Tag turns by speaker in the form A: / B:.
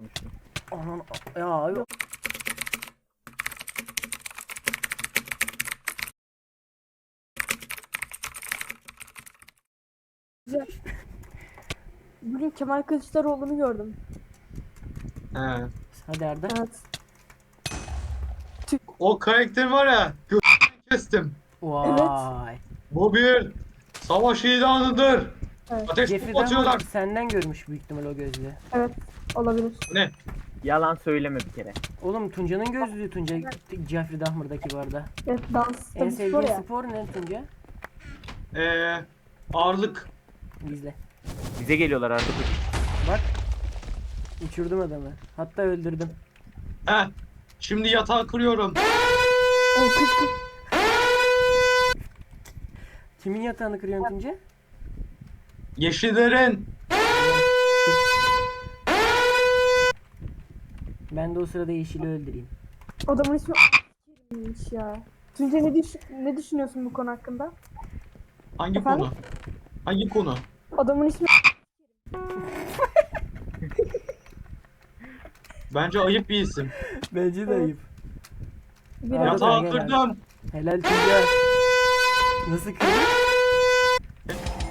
A: konuştum.
B: Aman ya yok.
C: Güzel. Bugün Kemal Kılıçdaroğlu'nu gördüm.
D: He.
B: Hadi Arda.
C: Evet.
D: O karakter var ya. Kestim.
B: Vay.
D: Bu bir savaş ilanıdır.
C: Evet.
D: Ateş
B: Jeffrey
D: topu atıyorlar.
B: Dahmer senden görmüş büyük ihtimal o gözlüğü.
C: Evet. Olabilir.
D: Ne?
A: Yalan söyleme bir kere.
B: Oğlum Tunca'nın gözlüğü Tunca Jeffrey Dahmer'daki bu arada.
C: Evet, dans
B: En
C: tabii spor
B: sevdiğin
C: ya.
B: spor ne Tunca?
D: Ağırlık.
B: İzle.
A: Bize geliyorlar artık.
B: Bak. Uçurdum adamı. Hatta öldürdüm.
D: He. Şimdi yatağı kırıyorum.
C: O kız kız.
B: Kimin yatağını kırıyorsun Tunca?
D: Yeşillerin.
B: Ben de o sırada Yeşil'i öldüreyim.
C: Adamın ismi a**mış ya. Tunca ne düşünüyorsun bu konu hakkında?
D: Hangi
C: Efendim?
D: konu? Hangi konu?
C: Adamın ismi
D: Bence ayıp bir isim.
B: Bence de ayıp.
C: bir
B: Arada
D: Yatağı
B: gel abi.
D: kırdım.
B: Helal Tunca. Nasıl kırdın?